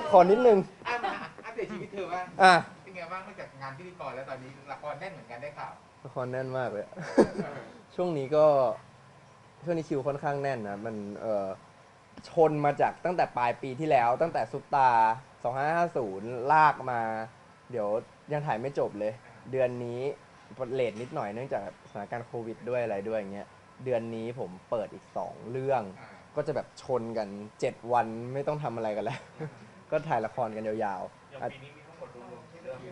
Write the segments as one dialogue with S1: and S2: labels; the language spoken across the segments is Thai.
S1: ขอนิดนึง
S2: มาอัปเดตชีวิตเธอบ้าง
S1: อ่ะ
S2: เป็นไงบ้างนอกจากงานพิธีกรแล้วตอนนี้ละครแน่นเหมือนกันได้ข่าว
S1: ละครแน่นมากเลย
S2: เออ
S1: ช่วงนี้ก็ช่วงนี้คิวค่อนข้างแน่นนะมันชนมาจากตั้งแต่ปลายปีที่แล้วตั้งแต่ซุปตา2550ลากมาเดี๋ยวยังถ่ายไม่จบเลย เดือนนี้เลทนิดหน่อยเนื่องจากสถานการณ์โควิดด้วยอะไรด้วยอย่างเงี้ยเดือนนี้ผมเปิดอีก2เรื่องก็จะแบบชนกัน7วันไม่ต้องทำอะไรกันแล้ว ก็ถ่ายละครกันยาว
S3: อย่าง
S1: ๆ
S3: ปีนี้มีทั้งหมดรวมๆกี่เรื่อง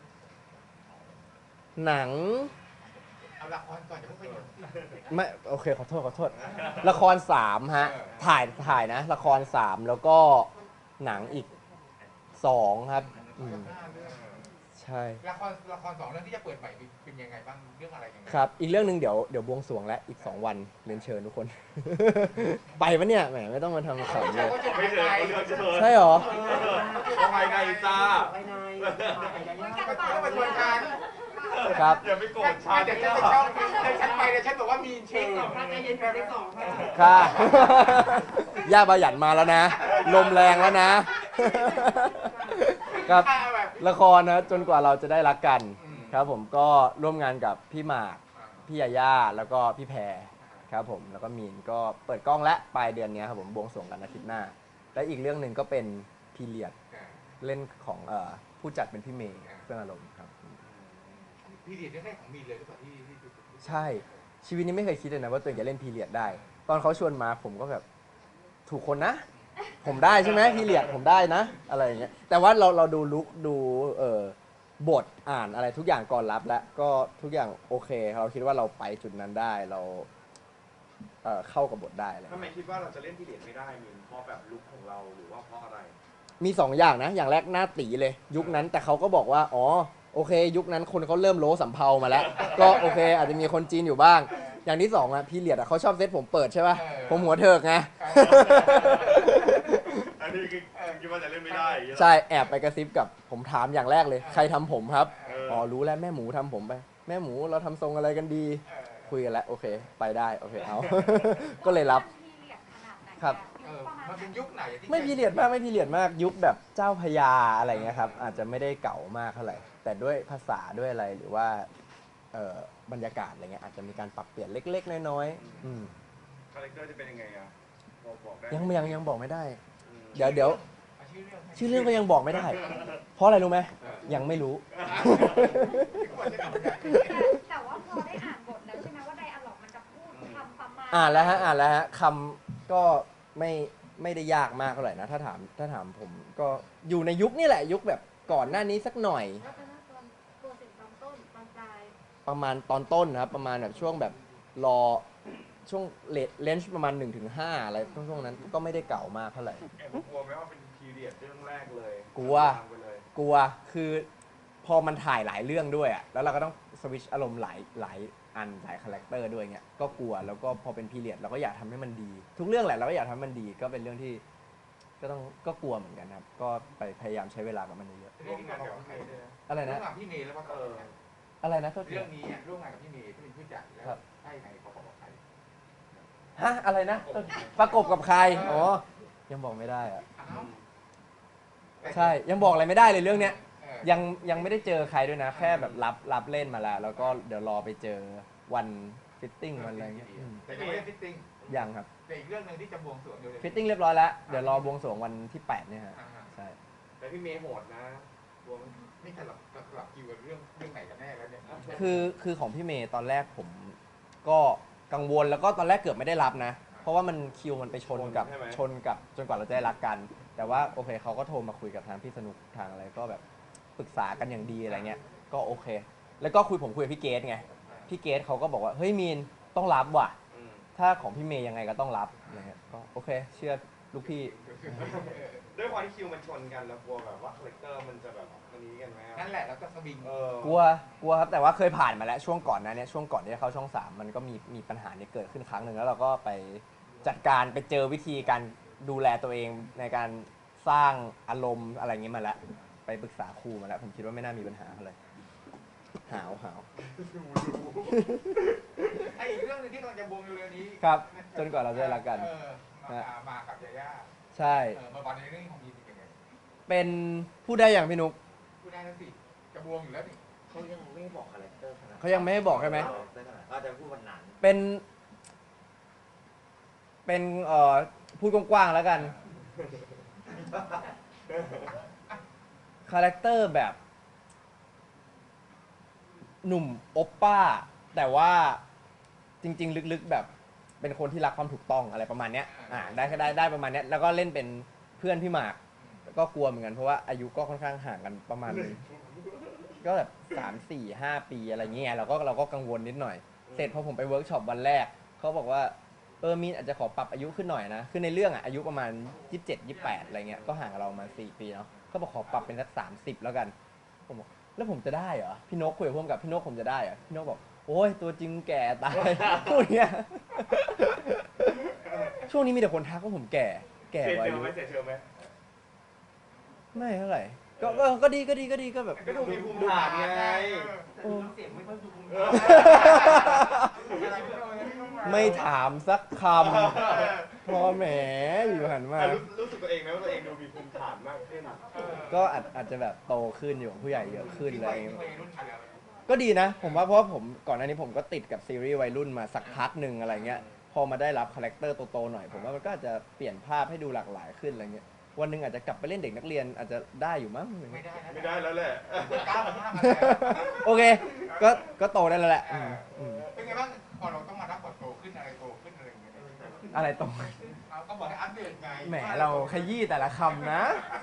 S1: หนัง
S2: เอาละครก่อนอย่าเพิ่งไปดู
S1: ไม่โอเคขอโทษละคร3ฮะถ่ายนะละคร3แล้วก็หนังอีก2ครับ
S2: 5 เรื่อง
S1: ใช่
S2: ละคร2 เรื่องที่จะเปิดใหม่เป็นยังไงบ้างเรื่องอะไรยังไง
S1: ครับอีกเรื่องหนึ่งเดี๋ยวบวงสรวงและอีก2วันเรียนเชิญทุกคน ไปปะเนี่ยแหมไม่ต้องมาทำขำเลย
S3: ไม่เจอเขาเลือกเชิญ
S1: ใช่หรอ
S3: ภายในจ้า
S4: ภายใน
S2: ก็ต้องมาชวนกัน
S1: ครับ
S3: อย่าไปโกรธฉัน
S2: เดี๋ยวฉันไปช่องเดี๋ยวฉันไปเดี๋ยวฉันบอกว่ามีเช็ค
S4: พระใจเย็นพระได้สองค่ะ
S1: ค่ะ ย่าบาหยันมาแล้วนะ ลมแรงแล้วนะ ครับ
S2: แบบ
S1: ละครนะจนกว่าเราจะได้รักกันครับผมก็ร่วมงานกับพี่หมากพี่ยาย่าแล้วก็พี่แพรครับผมแล้วก็มีนก็เปิดกล้องและปลายเดือนนี้ครับผมบวงสรวงกันอาทิตย์หน้า และอีกเรื่องหนึ่งก็เป็นพีเรียดเล่นของผู้จัดเป็นพี่เมย์เฟื่องอารมณ์ครับ
S2: พี่เรียนได้ของมีเลยหรือเปล่าที่
S1: ใช่ชีวิตนี้ไม่เคยคิดเลยนะว่าตัวเองจะเล่นพีเรียดได้ ตอนเขาชวนมาผมก็แบบถูกคนนะ ผมได้ใช่ไหมพีเรียดผมได้นะอะไรอย่างเงี้ยแต่ว่าเราดูลุคดูบทอ่านอะไรทุกอย่างก่อนรับแล้วก็ทุกอย่างโอเคเราคิดว่าเราไปจุดนั้นได้เราเข้ากับบทได้อะไร
S3: ทำไมคิดว่าเราจะเล่นพีเรียดไม่ได้มินเพราะแบบลุคของเราหรือว่าเพราะอะไร
S1: มี2อย่างนะอย่างแรกหน้าตีเลยยุคนั้นแต่เขาก็บอกว่าอ๋อโอเค ยุคนั้นคนเขาเริ่มโลสำเภามาแล้ว ก็โอเค อาจจะมีคนจีนอยู่บ้าง อย่างที่2อ่ะพีเรียดอ่ะเขาชอบเซตผมเปิดใช่ป่ะผมหัวเถิกไง
S3: อันนี้คือคิดว่าจะเล่นไม่ได้อย่างเงี้ยเหรอ
S1: ใช่แอบไปกระซิบกับผมถามอย่างแรกเลย ใครทำผมครับ
S3: อ๋อ
S1: รู้แล้วแม่หมูทำผมไป แม่หมูเราทำทรงอะไรกันดี คุยกันแล้วโอเค ไปได้โอเคเอา ก็เลยรับ ครับ
S2: มันเป็นยุคไหนที่
S1: ไม่พีเรียดมากไม่พีเรียดมากยุคแบบเจ้าพญาอะไรเงี้ยครับอาจจะไม่ได้เก่ามากเท่าไหร่แต่ด้วยภาษาด้วยอะไรหรือว่าบรรยากาศอะไรเงี้ยอาจจะมีการปรับเปลี่ยนเล็กๆน้อยๆ
S3: คาแรคเตอร์จะเป็นยังไงอ่ะบอกได้
S1: ยังบอกไม่ได้
S3: อืม
S1: เดี๋ยวชื่อเรื่องก็ยังบอกไม่ได้ เพราะอะไรรู้ไหมยังไม่รู้
S5: แต่ว่าพอได้อ่านบทแล้วใช่ไหมว่าไดอะล็อกมันจะพูดคำประมาณ
S1: อ่านแล้วฮะคำก็ไม่ได้ยากมากเท่าไหร่นะถ้าถามผมก็อยู่ในยุคนี่แหละยุคแบบก่อนหน้านี้สักหน่อย
S5: แล้วก็น่าตอนตัวสิ่งตอนต้นตอนปลาย
S1: ประมาณตอนต้นนะครับประมาณแบบช่วงแบบรอช่วงเลนจ์ประมาณ 1-5 อะไรช่วงนั้นก็ไม่ได้เก่ามากเท่าไหร่
S3: แอบกลัวไหมว่าเป็นพีเรียดเรื่องแรกเลย
S1: กลัว
S3: ตามไปเลย
S1: กลัวคือพอมันถ่ายหลายเรื่องด้วยอ่ะแล้วเราก็ต้องสวิตช์อารมณ์หลายอันหลายคาแรคเตอร์ด้วยเงี้ยก็กลัวแล้วก็พอเป็นพีเรียดเราก็อยากทำให้มันดี ทุกเรื่องแหละเราก็อยากทำให้มันดีก็เป็นเรื่องที่ก็กลัวเหมือนกันครับก็ไปพยายามใช้เวลากับมันเยอะ
S2: ร่วมงานกับใครด้วย
S1: ๆอะไร
S2: ร่ว
S1: นะ
S2: มงานพี่เมย์แล้วก็
S1: อะไรนะโทษที
S2: เรื่องนี้ร่วมงานกับพี่เมย์ที่เป็นผู้จัดแล้วให้ใครเขาบอกใคร
S1: ฮะอะไรนะประกบกับใครอ๋อยังบอกไม่ได้อ่ะใช่ยังบอกอะไรไม่ได้เลยเรื่องเนี้ยยังไม่ได้เจอใครด้วยนะ แค่แบบรับเล่นมาแล้ว แล้วก็เดี๋ยวรอไปเจอวันฟิตติ้งวันอะไรเงี้ย
S2: แต่ยังไม่ได้ฟิตติ้ง
S1: ยังครับ
S2: แต่อีกเรื่องหนึ่งที่จะบวงสรวงเดี๋ยว
S1: ฟิตติ้งเรียบร้อยแล้วเดี๋ยวรอบวงสรวงวันที่8เนี่ยฮะใช่
S3: แต่พี่เมย์โหดนะกลัวไหม
S2: นี่สลับคิวกับเรื่องไหนกันแน่แล้วเนี่ย
S1: คือของพี่เมย์ตอนแรกผมก็กังวลแล้วก็ตอนแรกเกือบไม่ได้รับนะ เพราะว่ามันคิวมันไปชนกับจนกว่าเราจะได้รักกัน แต่ว่าโอเคเขาก็โทรมาคุยกับทางพี่สนุกทางอะไรก็แบบปรึกษากันอย่างดีอะไรเงี้ยก็โอเค แล้วก็ผมคุยกับพี่เกดไงพี่เกดเขาก็บอกว่าเฮ้ยมีนต้องรับว่ะ
S3: อืม
S1: ถ้าของพี่เมย์ยังไงก็ต้องรับอะไรเงี้ยก็โอเค เชื่อลูกพี่
S3: ด้วยความที่คิวมันชนกันแล้วกลัวแบบว่าคาแรคเตอร์มันจะแบบมันนี้กันไหมอะ
S2: นั่นแหละแล้วก็สวิง
S1: กลัวครับแต่ว่าเคยผ่านมาแล้วช่วงก่อนนะเนี่ยช่วงก่อนที่จะเข้าช่อง 3มันก็มีปัญหานี้เกิดขึ้นครั้งหนึ่งแล้วเราก็ไปจัดการไปเจอวิธีการดูแลตัวเองในการสร้างอารมณ์อะไรเงี้ยมาแล้วไปปรึกษาครูมาแล้วผมคิดว่าไม่น่ามีปัญหาอะไรหาว
S2: ไอ้อีกเรื่องหนึงที่กำลังจะบวงเร็วๆนี้
S1: ครับจนกว่าเราจะได้รักกัน
S2: มากับยาย่า
S1: ใช่
S2: มาบอลในเรื่องของมีเป็นยังไง
S1: เป็นพูดได้อย่างพี่นุก
S2: พูดได้แล้วสิกระบวงอยู่แล้วนี่
S6: เขายังไม่บอกคาแรคเตอร์ขนาด
S1: เขายังไม่ให้บอกใช่ไหม
S6: ก็จะพูดวันนั้น
S1: เป็นพูดกว้างๆแล้วกันคาแรคเตอร์แบบหนุ่มโอปป้า แต่ว่าจริงๆลึกๆแบบเป็นคนที่รักความถูกต้องอะไรประมาณเนี้ยได้ประมาณเนี้ยแล้วก็เล่นเป็นเพื่อนพี่หมากก็กลัวเหมือนกันเพราะว่าอายุก็ค่อนข้างห่างกันประมาณนึงก็แบบ3-4-5 ปีอะไรเงี้ยเราก็กังวลนิดหน่อยเสร็จพอผมไปเวิร์กช็อปวันแรกเขาบอกว่ามีนอาจจะขอปรับอายุขึ้นหน่อยนะคือในเรื่องอายุประมาณ27-28อะไรเงี้ยก็ห่างกับเรามา4 ปีเนาะเขาบอกขอปรับเป็นสัก30แล้วกันผมบอกแล้วผมจะได้เหรอพี่นกคุยกับผมกับพี่นกผมจะได้เหรอพี่นกบอกโอ้ยตัวจริงแก่ตาย พูดเงี้ยช่วงนี้มีแต่คนทักว่าผมแก่ก
S3: เสีย
S1: ว่า
S3: เช
S1: อา
S3: ล
S1: ยุ
S3: ไหมเสียเชลไหม
S1: ไม่เท่าไหร่ก็ดีก็แบบ
S3: ก็ดูมีภูมิฐานไง
S4: เสียงไม่ค่อยดูภูมิ
S1: ไม่ถามสักคำพอแหมอยู่หันมา
S3: รู้สึกตัวเองไหมว่าตัวเองดูมีภูมิฐานมากขึ้น
S1: ก็อาจจะแบบโตขึ้นอยู่กับผู้ใหญ่เยอะขึ้นอะไรอย่างเงี้ย
S2: วัยรุ่นอะไร
S1: ก็ดีนะผมว่าเพราะว่าผมก่อนหน้านี้ผมก็ติดกับซีรีส์วัยรุ่นมาสักพักหนึ่งอะไรเงี้ยพอมาได้รับคาแรคเตอร์โตๆหน่อยผมว่ามันก็อาจจะเปลี่ยนภาพให้ดูหลากหลายขึ้นอะไรเงี้ยวันหนึ่งอาจจะกลับไปเล่นเด็กนักเรียนอาจจะได้อยู่มั้ง
S2: ไม่ได้นะ
S3: ไม่ได้แล้วแหละ
S2: ก้าวข้ามมาแล้ว
S1: โอเคก็โตได้แล้วแหละอืม
S2: เป็นไงบ้างพอเราต้องมารับบทโตขึ้นอะไรโตขึ้นอะไรอย่างเงี้ย
S1: อะไรโต
S2: เราก็บอกให้อัปเดตไง
S1: แหมเราขยี้แต่ละคำนะ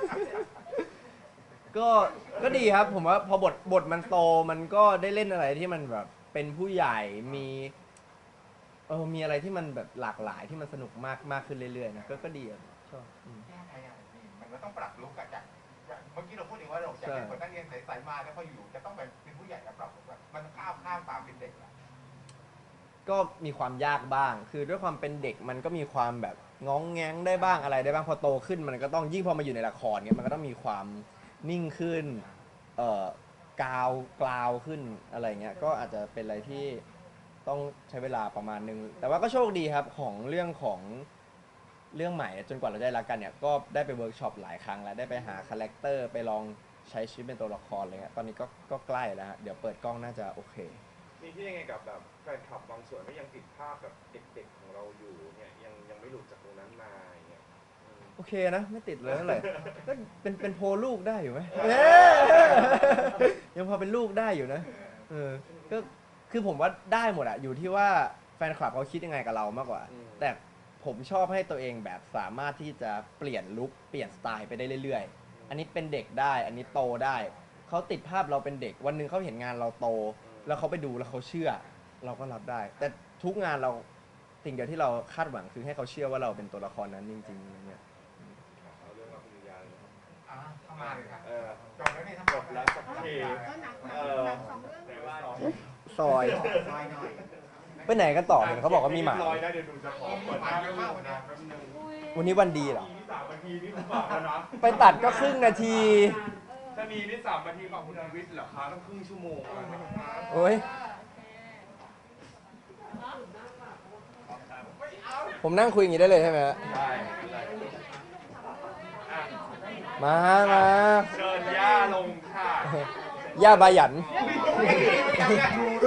S1: ก็ดีครับผมว่าพอบทมันโตมันก็ได้เล่นอะไรที่มันแบบเป็นผู้ใหญ่มีอะไรที่มันแบบหลากหลายที่มันสนุกมากขึ้นเรื่อยๆนะก็ดีอะชอบ
S2: แก้ไขอ่ะนี่มันก็ต้องปรับลุคอะจากเมื่อกี้เราพูดถึงว่าเราจะเป็นคนนักเรียนใสๆมาแล้วพออยู่จะต้องเป็นผู้ใหญ่แล้วปรับมันข้ามความเป็นเด็กอะ
S1: ก็มีความยากบ้าง คือด้วยความเป็นเด็กมันก็มีความแบบง้องแง้งได้บ้างอะไรได้บ้างพอโตขึ้นมันก็ต้องยิ่งพอมาอยู่ในละครเงี้ยมันก็ต้องมีความนิ่งขึ้นกราวขึ้นอะไรเงี้ยก็อาจจะเป็นอะไรที่ต้องใช้เวลาประมาณนึงแต่ว่าก็โชคดีครับของเรื่องใหม่จนกว่าเราได้รักกันเนี่ยก็ได้ไปเวิร์กช็อปหลายครั้งแล้วได้ไปหาคาแรคเตอร์ไปลองใช้ชีวิตเป็นตัวละครอะไรเงี้ยตอนนี้ก็ใกล้แล้วฮะเดี๋ยวเปิดกล้องน่าจะโอเค
S3: มีที่ยังไงกับแบบแฟนคลับบางส่วนก็ยังติดภาพแบบเด็กๆของเราอยู่เนี่ยยังไม่หลุดจากตรงนั้นมาอย่างเงี้ย
S1: โอเคนะไม่ติดเลยเท่าไหร่ก็เป็นโพลลูกได้อยู่ไหมยังพอเป็นลูกได้อยู่นะก็คือผมว่าได้หมดอะอยู่ที่ว่าแฟนคลับเขาคิดยังไงกับเรามากกว่า แต่ผมชอบให้ตัวเองแบบสามารถที่จะเปลี่ยนลุคเปลี่ยนสไตล์ไปได้เรื่อยๆอันนี้เป็นเด็กได้อันนี้โตได้เขาติดภาพเราเป็นเด็กวันหนึ่งเขาเห็นงานเราโตแล้วเขาไปดูแล้วเขาเชื่อเราก็รับได้ แต่ทุกงานเราสิ่งเดียวที่เราคาดหวังคือให้เขาเชื่อว่าเราเป็นตัวละครนั้นจริงๆอย่างเงี้ย
S3: เอาเรื่องรับปริญญาเลยครับ
S2: เข้ามาเลยครับ
S3: เออ
S2: จบแล้วนี่ทั้ง
S3: จบแล้วสักที
S4: ก็หนัก
S3: แต่ว่า
S1: ซอย
S4: ซอยหน่อย
S1: ไปไหนกันต่อเนี่ยเขาบอกว่ามีหมา
S3: ร้อยนะเดี๋ยวดูจะขอเปิดหน้าเรื่องนะแป๊บนึง
S1: วันนี้วันดีเหรอ
S3: มี3 นาทีนี่ผมบอกแล้วนะ
S1: ไปตัดก็ครึ่งนาที
S3: ถ้ามีนี่3 นาทีของคุณชีวิตเหรอคะต้องครึ่งชั่วโมงอะ
S1: โอ้ยผมนั่งคุยอย่างนี้ได้เลยใช่ไหมฮะ
S3: ได้
S1: มา
S3: เชิญย่าลงค่ะ
S1: ย่าบายัน
S3: ดู